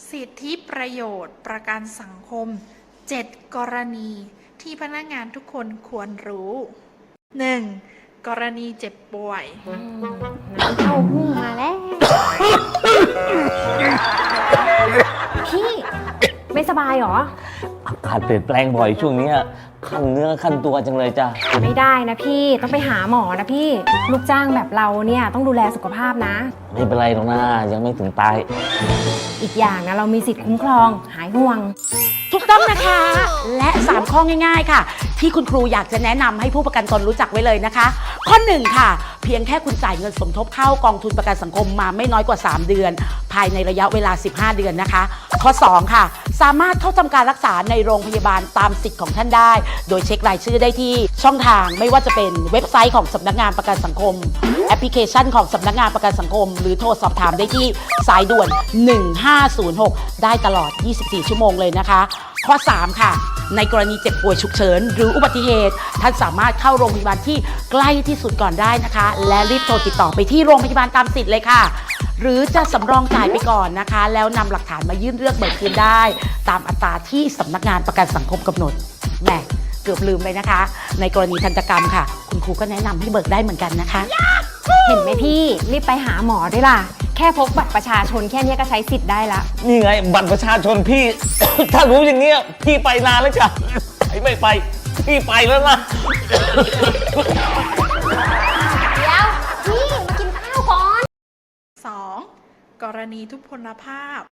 สิทธิประโยชน์ประกันสังคม 7 กรณีที่พนักงานทุกคนควรรู้ 1. กรณีเจ็บป่วยน้ำเข้าหูมาแล้ว พี่ไม่สบายเหรออากาศเปลี่ยนแปลงบ่อยช่วงนี้คันเนื้อคันตัวจังเลยจ้ะไม่ได้นะพี่ต้องไปหาหมอนะพี่ลูกจ้างแบบเราเนี่ยต้องดูแลสุขภาพนะไม่เป็นไรหรอกนะยังไม่ถึงตายอีกอย่างนะเรามีสิทธิ์คุ้มครองหายห่วงถูกต้องนะคะ และ 3 ข้อง่ายๆค่ะ ที่คุณครูอยากจะแนะนำให้ผู้ประกันตนรู้จักไว้เลยนะคะ ข้อ 1 ค่ะ เพียงแค่คุณจ่ายเงินสมทบเข้ากองทุนประกันสังคมมาไม่น้อยกว่า 3 เดือน ภายในระยะเวลา 15 เดือนนะคะ ข้อ 2 ค่ะ สามารถเข้าทำการรักษาในโรงพยาบาลตามสิทธิ์ของท่านได้ โดยเช็ครายชื่อได้ที่ช่องทางไม่ว่าจะเป็นเว็บไซต์ของสำนักงานประกันสังคม แอปพลิเคชันของสำนักงานประกันสังคม หรือโทรสอบถามได้ที่สายด่วน 1506 ได้ตลอด 24 ชั่วโมงเลยนะคะ ข้อ 3 ค่ะ ในกรณีเจ็บป่วยฉุกเฉินหรืออุบัติเหตุ ท่านสามารถเข้าโรงพยาบาลที่ใกล้ที่สุดก่อนได้นะคะ และรีบโทรติดต่อไปที่โรงพยาบาลตามสิทธิ์เลยค่ะ หรือจะสำรองจ่ายไปก่อนนะคะ แล้วนำหลักฐานมายื่นเรื่องเบิกคืนได้ ตามอัตราที่สำนักงานประกันสังคมกำหนดแหมเกือบลืมเลยนะคะ ในกรณีทันตกรรมค่ะ คุณครูก็แนะนำให้เบิกได้เหมือนกันนะคะเห็นไหมพี่รีบไปหาหมอด้วยล่ะแค่พกบัตรประชาชนแค่นี้ก็ใช้สิทธิ์ได้ละนี่ไงบัตรประชาชนพี่ ถ้ารู้อย่างเงี้ยพี่ไปนานแล้วจ้ะไม่ไปพี่ไปแล้วนะเดี๋ยวพี่มากินข้าวก่อน 2. กรณีทุพพลภาพ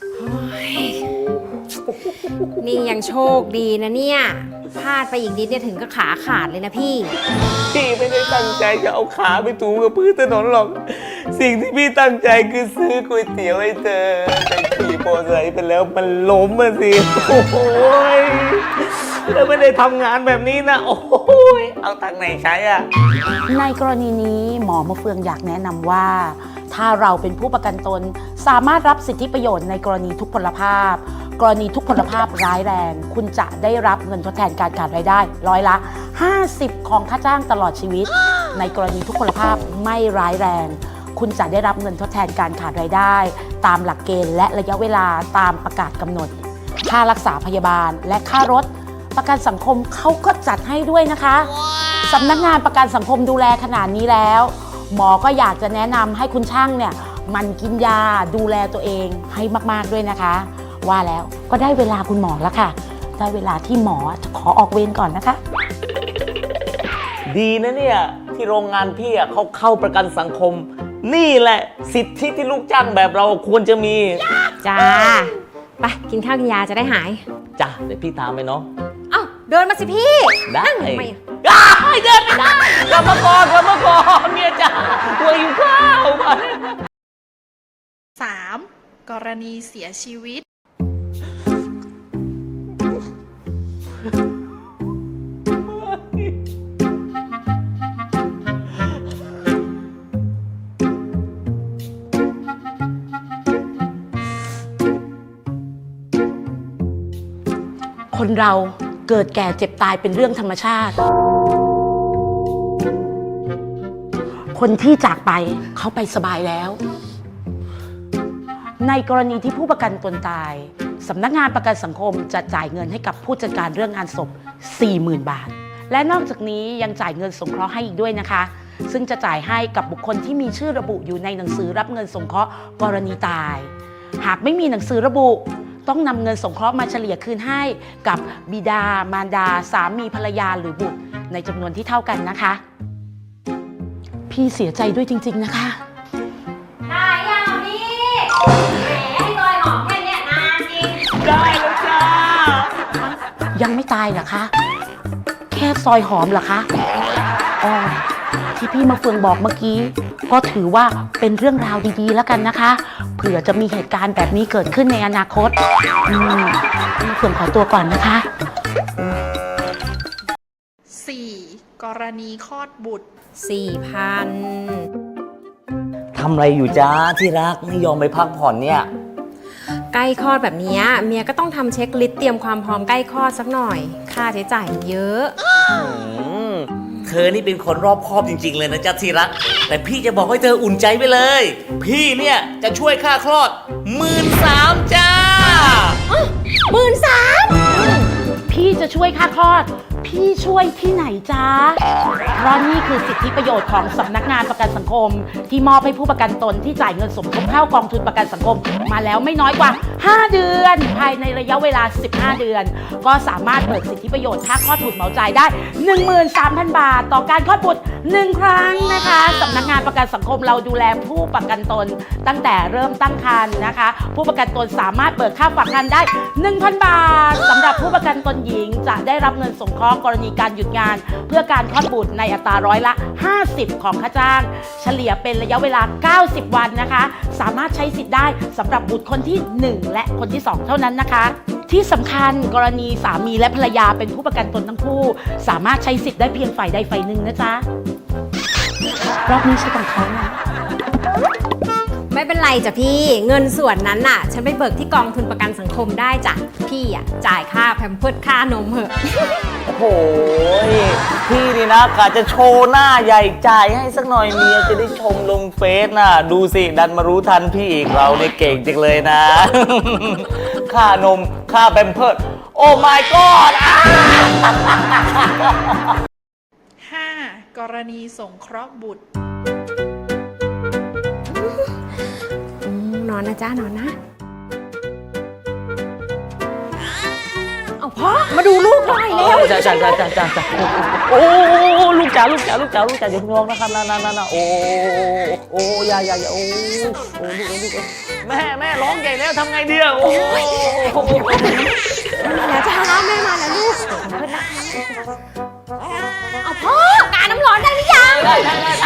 นี่ยังโชคดีนะเนี่ยพลาดไปอีกนิดเนี่ยถึงก็ขาขาดเลยนะพี่พี่ไม่ได้ตั้งใจจะเอาขาไปถูกับพื้นถนนหรอก สิ่งที่พี่ตั้งใจคือซื้อก๋วยเตี๋ยวให้เธอแต่ขี่มอเตอร์ไซค์ไปแล้วมันล้มมาสิโอ้โหยแล้วไม่ได้ทำงานแบบนี้นะโอ้โหยเอาตังค์ไหนใช้อ่ะในกรณีนี้หมอมะเฟืองอยากแนะนำว่า ถ้าเราเป็นผู้ประกันตนสามารถรับสิทธิประโยชน์ในกรณีทุพพลภาพ กรณีทุพพลภาพร้ายแรง คุณจะได้รับเงินทดแทนการขาดรายได้ร้อยละ 50 ของค่าจ้างตลอดชีวิต ในกรณีทุพพลภาพไม่ร้ายแรง คุณจะได้รับเงินทดแทนการขาดรายได้ ตามหลักเกณฑ์และระยะเวลาตามประกาศกำหนด ค่ารักษาพยาบาลและค่ารถ ประกันสังคมเขาก็จัดให้ด้วยนะคะสำนักงานประกันสังคมดูแลขนาดนี้แล้ว หมอก็อยากจะแนะนำให้คุณช่างเนี่ยมันกินยาดูแลตัวเองให้มากๆด้วยนะคะ ว่าแล้วก็ได้เวลาคุณหมอแล้วค่ะ ได้เวลาที่หมอจะขอออกเวรก่อนนะคะดีนะเนี่ยที่โรงงานพี่เขาเข้าประกันสังคม นี่แหละสิทธิที่ลูกจ้างแบบเราควรจะมีจ้าไปกินข้าวกินยาจะได้หายจ้ะเดี๋ยวพี่ตามไปเนาะเอ้าเดินมาสิพี่ได้นั่งทำไมอะเดินไม่ได้กลับมาก่อนเมียจ๋าตัวหิวข้าวไป 3. กรณีเสียชีวิตคนเราเกิดแก่เจ็บตายเป็นเรื่องธรรมชาติ คนที่จากไปเขาไปสบายแล้ว ในกรณีที่ผู้ประกันตนตายสำนักงานประกันสังคมจะจ่ายเงินให้กับผู้จัดการเรื่องงานศพ 40,000 บาท และนอกจากนี้ยังจ่ายเงินสงเคราะห์ให้อีกด้วยนะคะ ซึ่งจะจ่ายให้กับบุคคลที่มีชื่อระบุอยู่ในหนังสือรับเงินสงเคราะห์กรณีตาย หากไม่มีหนังสือระบุ ต้องนำเงินสงเคราะห์มาเฉลี่ยคืนให้กับบิดามารดา สามีภรรยาหรือบุตรในจำนวนที่เท่ากันนะคะ พี่เสียใจด้วยจริงๆนะคะได้ยังพี่แหมให้ลอยหอมแค่เนี้ยนานจริงได้แล้วจ้ายังไม่ตายเหรอคะ แค่ซอยหอมเหรอคะอ๋อที่พี่มาเฟืองบอกเมื่อกี้ ก็ถือว่าเป็นเรื่องราวดีๆแล้วกันนะคะ เผื่อจะมีเหตุการณ์แบบนี้เกิดขึ้นในอนาคตพี่มาเฟืองขอตัวก่อนนะคะ 4. กรณีคลอดบุตร 4,000 ทำอะไรอยู่จ้าที่รักไม่ยอมไปพักผ่อนเนี่ยใกล้คลอดแบบเนี้ยเมียก็ต้องทำเช็คลิสต์เตรียมความพร้อมใกล้คลอดสักหน่อย ค่าใช้จ่ายมันเยอะเธอนี่เป็นคนรอบคอบจริงๆเลยนะจ๊ะที่รัก แต่พี่จะบอกให้เธออุ่นใจไปเลย พี่เนี่ยจะช่วยค่าคลอด13,000จ้าวยค่าคลอด พี่ช่วยที่ไหนจ๊ะเพราะนี่คือสิทธิประโยชน์ของสำนักงานประกันสังคม ที่มอบให้ผู้ประกันตนที่จ่ายเงินสมทบเข้ากองทุนประกันสังคม มาแล้วไม่น้อยกว่า 5 เดือน ภายในระยะเวลา 15 เดือน ก็สามารถเบิกสิทธิประโยชน์ค่าคลอดบุตรเหมาจ่ายได้ 13,000 บาท ต่อการคลอดบุตร 1 ครั้งนะคะสำนักงานประกันสังคมเราดูแลผู้ประกันตนตั้งแต่เริ่มตั้งครรภ์นะคะ ผู้ประกันตนสามารถเบิกค่าฝากครรภ์ได้ 1,000 บาทสำหรับผู้ประกันตนหญิงจะได้รับเงินสงเคราะห์กรณีการหยุดงาน เพื่อการคลอดบุตรในอัตราร้อยละ 50 ของค่าจ้าง เฉลี่ยเป็นระยะเวลา 90 วันนะคะ สามารถใช้สิทธิ์ได้สำหรับบุตรคนที่ 1 และคนที่ 2 เท่านั้นนะคะ ที่สำคัญกรณีสามีและภรรยาเป็นผู้ประกันตนทั้งคู่ สามารถใช้สิทธิ์ได้เพียงฝ่ายใดฝ่ายหนึ่งนะจ๊ะรอบนี้ใช่ของเขานะไม่เป็นไรจ้ะพี่ เงินส่วนนั้นน่ะ ฉันไปเบิกที่กองทุนประกันสังคมได้จ้ะ พี่อ่ะจ่ายค่าแพมเพิร์สค่านมเหอะโอ้โหพี่นี่นะกะจะโชว์หน้าใหญ่จ่ายให้สักหน่อยเมียจะได้ชมลงเฟซน่ะ ดูสิดันมารู้ทันพี่อีกเราเนี่ยเก่งจังเลยนะ ค่านมค่าแพมเพิร์สโอ้ my god 5. กรณีสงเคราะห์บุตรนอนนะจ้านอนนะ เอาพ่อมาดูลูกหน่อยแล้วจ้าโอ้ลูกจ๋าอย่าเพิ่งร้องนะครับนะโอ้อย่าโอ้ลูกแม่ร้องใหญ่แล้วทำไงดีอ่ะโอ้แล้วจ้าแม่มาแล้วลูกเอาพ่อการน้ำร้อนได้หรือยังได้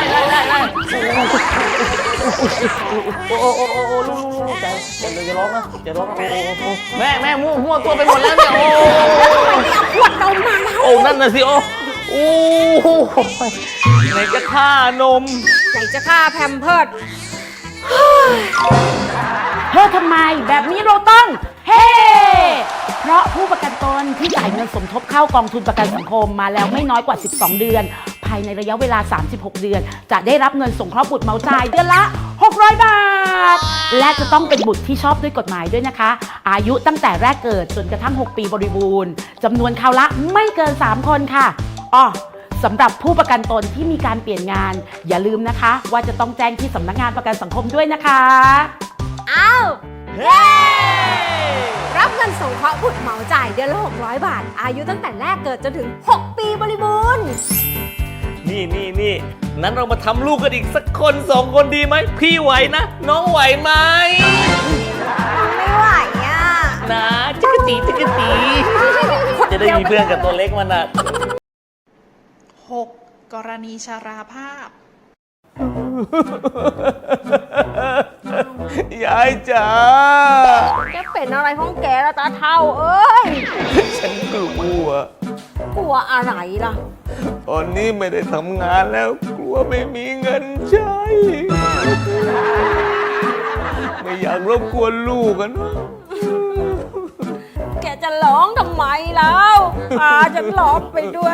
โอ้ลูกจ๋าอย่าร้องนะอย่าร้องโอ้แม่มั่วตัวไปหมดแล้วเนี่ยโอ้ขวดนมมาแล้วโอ้นั่นน่ะสิโอ้ไหนจะค่านมไหนจะค่าแพมเพิร์สเฮ้ยทำไมแบบนี้เราต้องเฮ้เพราะผู้ประกันตนที่จ่ายเงินสมทบเข้ากองทุนประกันสังคมมาแล้วไม่น้อยกว่า 12 เดือน ภายในระยะเวลา 36 เดือน จะได้รับเงินสงเคราะห์บุตรเหมาจ่ายเดือนละ 600 บาท และจะต้องเป็นบุตรที่ชอบด้วยกฎหมายด้วยนะคะ อายุตั้งแต่แรกเกิดจนกระทั่ง 6 ปีบริบูรณ์จำนวนคราวละไม่เกิน 3 คนค่ะอ้อสำหรับผู้ประกันตนที่มีการเปลี่ยนงาน อย่าลืมนะคะ ว่าจะต้องแจ้งที่สำนักงานประกันสังคมด้วยนะคะเอาเย้รับเงินสงเคราะห์บุตรเหมาจ่ายเดือนละ 600 บาท อายุตั้งแต่แรกเกิดจนถึง 6 ปีบริบูรณ์นี่นั้นเรามาทำลูกกันอีกสักคน2 คนดีไหมพี่ไหวนะน้องไหวไหมไม่ไหวอ่ะนะจิกกะตีจะได้มีเพื่อนกับตัวเล็กมันอ่ะ 6. กรณีชราภาพยายจ๋าแกเป็นอะไรของแกละตาเท่าเอ้ยฉันกลัวกลัวอะไรล่ะตอนนี้ไม่ได้ทำงานแล้วกลัวไม่มีเงินใช้ ไม่อยากรบกวนลูกกันเนอะแกจะร้องทำไมแล้วพาฉันร้องไปด้วย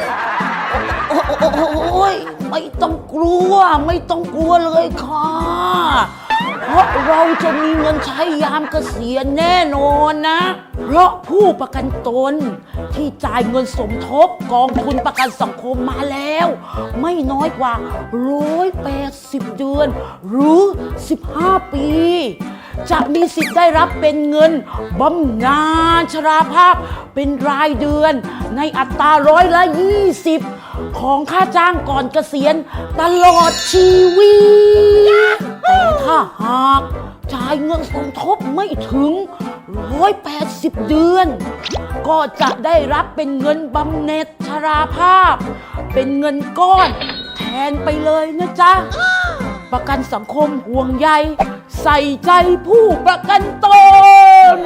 โอ้ยไม่ต้องกลัวเลยค่ะ เพราะเราจะมีเงินใช้ยามเกษียณแน่นอนนะ เพราะผู้ประกันตนที่จ่ายเงินสมทบกองทุนประกันสังคมมาแล้ว ไม่น้อยกว่า180 เดือน หรือ 15 ปี จะมีสิทธิ์ได้รับเป็นเงินบำนาญชราภาพเป็นรายเดือนในอัตราร้อยละ 20 ของค่าจ้างก่อนเกษียณตลอดชีวิต แต่ถ้าหากจ่ายเงินสมทบไม่ถึง180 เดือน ก็จะได้รับเป็นเงินบำเหน็จชราภาพ เป็นเงินก้อนแทนไปเลยนะจ๊ะ ประกันสังคมห่วงใยใส่ใจผู้ประกันตน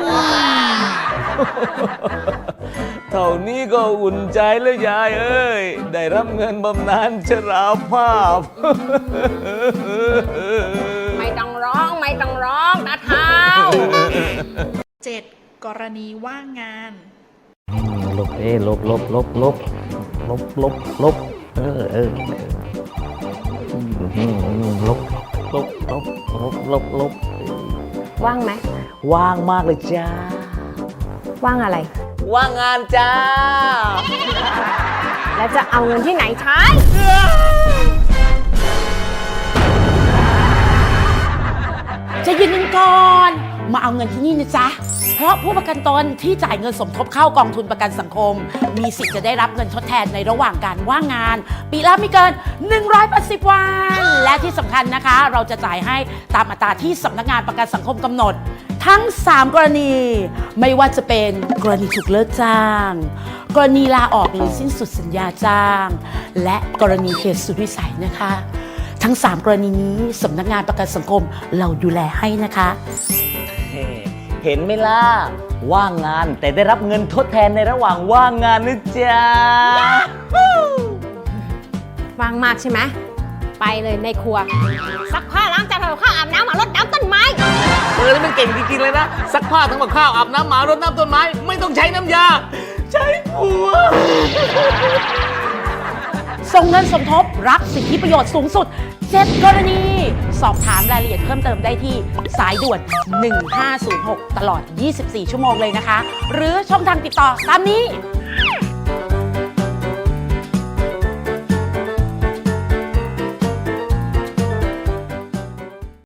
เท่านี้ก็อุ่นใจแล้วยายเอ้ยได้รับเงินบำนาญชราภาพไม่ต้องร้องตาเท่า 7. กรณีว่างงานลบว่างไหมว่างมากเลยจ้าว่างอะไรว่างงานจ้าแล้วจะเอาเงินที่ไหนใช้จะยืนกันก่อน มาเอาเงินที่นี่นะจ๊ะ เพราะผู้ประกันตนที่จ่ายเงินสมทบเข้ากองทุนประกันสังคม มีสิทธิ์จะได้รับเงินทดแทนในระหว่างการว่างงาน ปีละไม่เกิน 180 วัน และที่สำคัญนะคะ เราจะจ่ายให้ตามอัตราที่สำนักงานประกันสังคมกำหนด ทั้ง 3 กรณี ไม่ว่าจะเป็นกรณีถูกเลิกจ้าง กรณีลาออกหรือสิ้นสุดสัญญาจ้าง และกรณีเหตุสุดวิสัยนะคะ ทั้ง 3 กรณีนี้สำนักงานประกันสังคมเราดูแลให้นะคะเห็นไหมล่ะ ว่างงานแต่ได้รับเงินทดแทนในระหว่างว่างงานนะจ๊ะว่างมากใช่ไหม ไปเลยในครัว ซักผ้าล้างจานทำกับข้าวอาบน้ำหมารดน้ำต้นไม้นี่มันเก่งจริงๆเลยนะซักผ้าทำกับข้าวอาบน้ำหมารดน้ำต้นไม้ ไม่ต้องใช้น้ำยา ใช้ผัวส่งเงินสมทบรับสิทธิประโยชน์สูงสุด 7 กรณี สอบถามรายละเอียดเพิ่มเติมได้ที่สายด่วน 1506 ตลอด 24 ชั่วโมงเลยนะคะ หรือช่องทางติดต่อตามนี้